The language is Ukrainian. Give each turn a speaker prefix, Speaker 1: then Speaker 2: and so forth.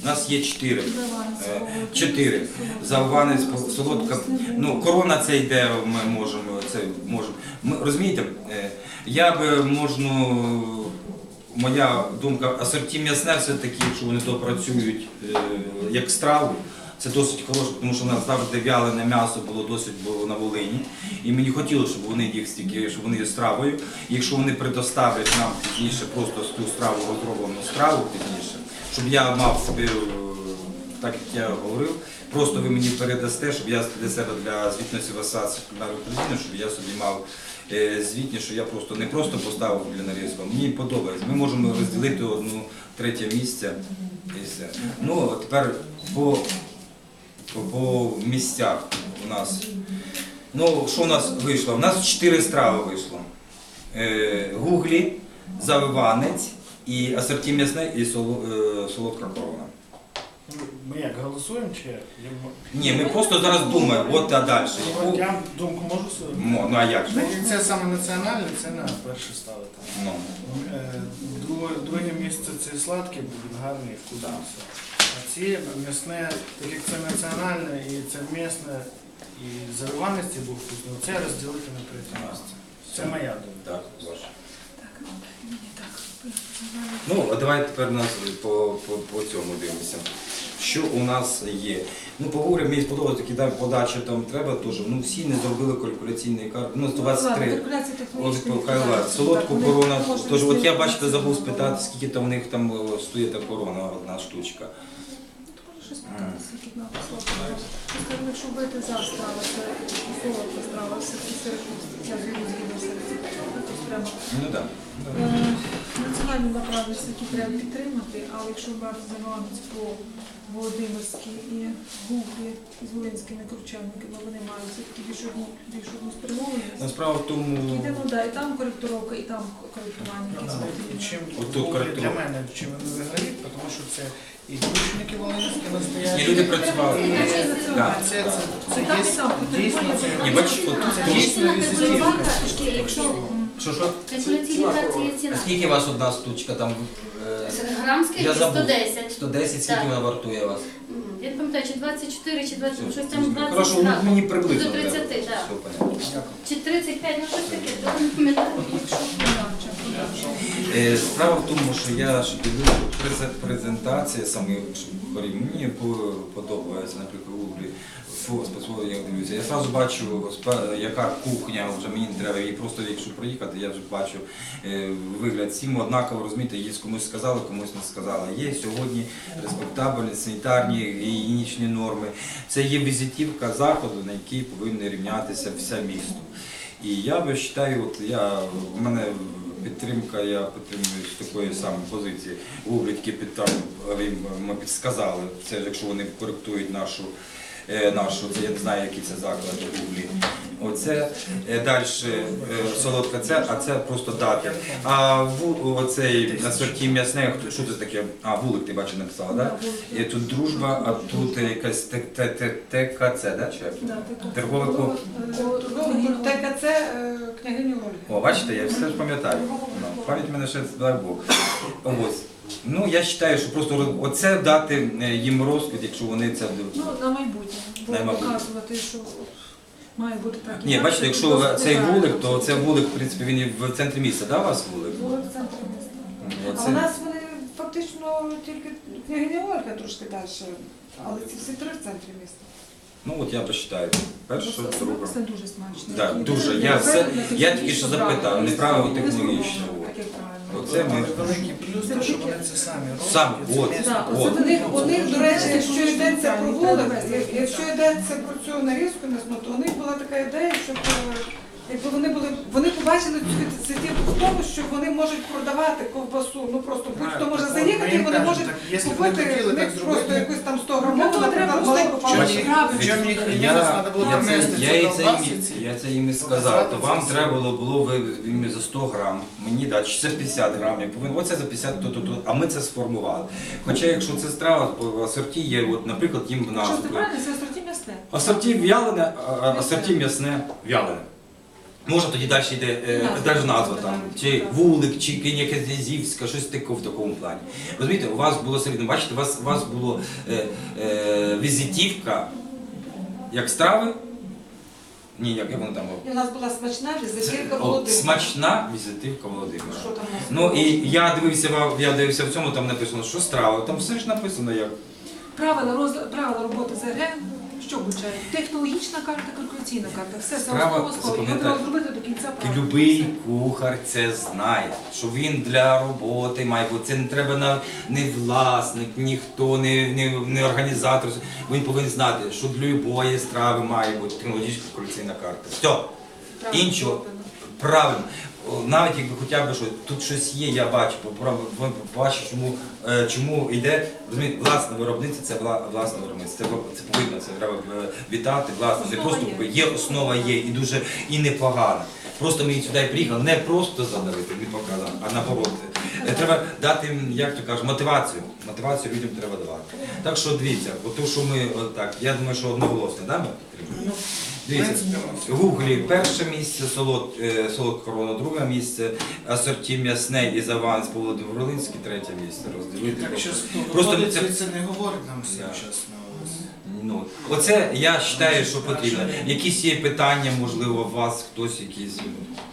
Speaker 1: У нас є 4. 4. Завиванець, солодка. Ну, корона це йде, ми можемо. Розумієте, я би моя думка, асорті м'ясне все-таки, якщо вони то працюють як страву, це досить хороше, тому що в нас завжди вялене м'ясо було досить на Волині. І мені хотілося, щоб вони їх стільки, щоб вони є стравою. І якщо вони предоставлять нам пізніше просто ту страву, розроблену страву пізніше, щоб я мав собі, так як я говорив, просто ви мені передасте, щоб я для себе для звітності в Асоціації кулінарної України, щоб я собі мав звітність, що я просто не просто поставив для нарізку, мені подобається. Ми можемо розділити 1/3 місця і все. Ну, а тепер по місцях у нас. Ну, що у нас вийшло? У нас 4 страви вийшло. Гуглі, завиванець, і асорті м'ясне, і солодка корона.
Speaker 2: Ми як, голосуємо чи як?
Speaker 1: Ні, ми просто зараз думаємо, от а далі.
Speaker 2: Я думку можу сказати?
Speaker 1: Ну а як же?
Speaker 2: Це саме національне, це на перше ставити.
Speaker 1: Ну.
Speaker 2: Друге місце це сладке, буде гарний вкус. А ці м'ясне, так як це національне і це м'ясне, і завиваності був вкусний, це розділити на 3 місце. Це моя думка.
Speaker 1: Так, ваша. Ну, а давайте тепер нас по цьому дивимося. Що у нас є? Ну, поговоримо, мені сподобалося, такі подачі там треба теж. Ну, всі не зробили калькуляційний карт. Ну, 123. Солодку корону. Тож, от я, бачите, забув спитати, скільки там у них там стоїть та корона, одна штучка.
Speaker 3: Щось питати, скільки на солодку. Скажімо, якщо вбити за страва, це солодка страва, все-таки середньо, я згідно середньо. Треба.
Speaker 1: Ну, так.
Speaker 3: Національні направленості, які треба підтримати, але якщо брати завиванець по Володимирській і Гуглі з волинськими кручальниками, вони мають все-таки більш одну спрямованість.
Speaker 1: Справа в тому...
Speaker 3: І там коректировка, і там коректування.
Speaker 2: Для мене чим вони виграють, тому що це і кручники волинські настоящі.
Speaker 1: І люди працювали.
Speaker 2: Це дійсно, це дійсно візитівка.
Speaker 1: Що?
Speaker 4: Калькуляційні карти є ціна.
Speaker 1: А скільки у вас одна штучка там?
Speaker 4: Грамська
Speaker 1: Я забув.
Speaker 4: 110.
Speaker 1: 110, скільки
Speaker 4: Так.
Speaker 1: вона вартує у вас?
Speaker 4: Я не пам'ятаю, чи 24, чи 20, щось там 20
Speaker 1: Хорошо,
Speaker 4: грам.
Speaker 1: мені приблизно.
Speaker 4: До 30,
Speaker 1: треба.
Speaker 4: так.
Speaker 1: Все, понятно.
Speaker 4: Чи 35, ну щось таке, то не пам'ятаю.
Speaker 1: Справа в тому, що я дивлюся презентація самих хорів. Мені подобається, наприклад, Гуглі. Специфіку я дивлюся. Я одразу бачу, яка кухня, вже мені не треба, і просто якщо проїхати, я вже бачу вигляд всім однаково, розумієте, є комусь сказали, комусь не сказали. Є сьогодні респектабельні, санітарні, гігієнічні норми. Це є візитівка заходу, на якій повинні рівнятися все місто. І я вважаю, в мене підтримка, я підтримую з такої самої позиції. Гуглі тільки ми підсказали, це якщо вони коректують нашу, це я не знаю, які це заклади в Гуглі. Оце далі солодка це, а це просто дати. А оцей асорті м'ясне, що це таке? А, вулик ти бачиш написала, так? І тут дружба, а тут якась ТКЦ, так? Торгове
Speaker 5: ТКЦ княгині Ольги.
Speaker 1: О, бачите, я все ж пам'ятаю. Пам'ять в мене ще, дай Бог. Ось. Ну, я вважаю, що просто оце дати їм розквіт, якщо вони це...
Speaker 3: Ну, на майбутнє. Бо показувати, що має бути так.
Speaker 1: Ні, бачите, якщо цей вулик, то це вулик, в принципі, він і в центрі міста, так, у вас вулик?
Speaker 3: Вулик в центрі міста.
Speaker 5: А у нас вони фактично тільки княгиня Ольга трошки далі, але ці всі 3 в центрі міста.
Speaker 1: Ну, от я вважаю. Перше, друге.
Speaker 3: Це дуже смачно.
Speaker 1: Так, дуже. Я тільки що запитав, неправильно технологічно. Оце ми...
Speaker 2: Великий плюс, те, що вони це самі роблять.
Speaker 1: Сам, от.
Speaker 5: У них, до речі, якщо йдеться про вулик, якщо йдеться про цю нарізку м'ясну, то у них була така ідея, щоб якби вони побачили цю ініціативу в тому, що вони можуть продавати ковбасу, ну просто будь-хто може заїхати, і вони можуть купити в них просто якусь там 100 грамову, наприклад, маленьку паличку.
Speaker 1: Я це їм і сказав, то вам треба було за 100 грам, мені дати, чи це 50 грам, я повинен, оце за 50, а ми це сформували. Хоча якщо це страва, по асорті є, от, наприклад, їм в назву.
Speaker 3: Що це правильно, це асорті м'ясне.
Speaker 1: Асорті в'ялене, асорті м'ясне в'ялене. Може тоді далі йде навіть назва там, чи вулик, чи Князівська, щось таке в такому плані. Розумієте, у вас було середньо, бачите, у вас було візитівка як страви. Ні, як воно там було?
Speaker 5: І у нас була смачна візитівка Володимира.
Speaker 1: Смачна візитівка Володимира.
Speaker 5: Що там у нас
Speaker 1: Ну
Speaker 5: було?
Speaker 1: і я дивився в цьому, там написано, що страва, там все ж написано як.
Speaker 5: Правила роботи ЗРГ, що включають? Технологічна карта, калькуляційна карта. Все це
Speaker 1: Справа,
Speaker 5: основа. Його
Speaker 1: запам'ятайте,
Speaker 5: треба зробити до кінця
Speaker 1: І
Speaker 5: правильно.
Speaker 1: любий кухар це знає, що він для роботи має бути. Це не треба не власник, ніхто, не організатор. Він повинен знати, що для любої страви має бути технологічна калькуляційна карта. Все.
Speaker 5: Правильно
Speaker 1: Іншого
Speaker 5: зроблено.
Speaker 1: правильно. Навіть якби хоча б що тут щось є, я бачу, бачу, чому йде, розумієте, власне виробництво, це власне виробництво. Це повинно, це треба вітати, власне, не
Speaker 5: Основа
Speaker 1: просто
Speaker 5: є.
Speaker 1: є, основа є і дуже і непогана. Просто ми сюди приїхали не просто задавити, не показати, а наоборот. Треба дати їм, як то кажуть, мотивацію. Мотивацію людям треба давати. Так що дивіться, то, що ми так, я думаю, що одноголосно, да, ми підтримуємо? Дивіться, в Гуглі перше місце, солодка корона, друге місце, асорті м'ясне і заван з Володимир Волинський, третє місце. Розділити.
Speaker 2: Так що
Speaker 1: Просто
Speaker 2: виходить, це не говорить нам все
Speaker 1: Да.
Speaker 2: чесно.
Speaker 1: Ну, оце я вважаю, що потрібно. Якісь є питання, можливо, у вас хтось якісь.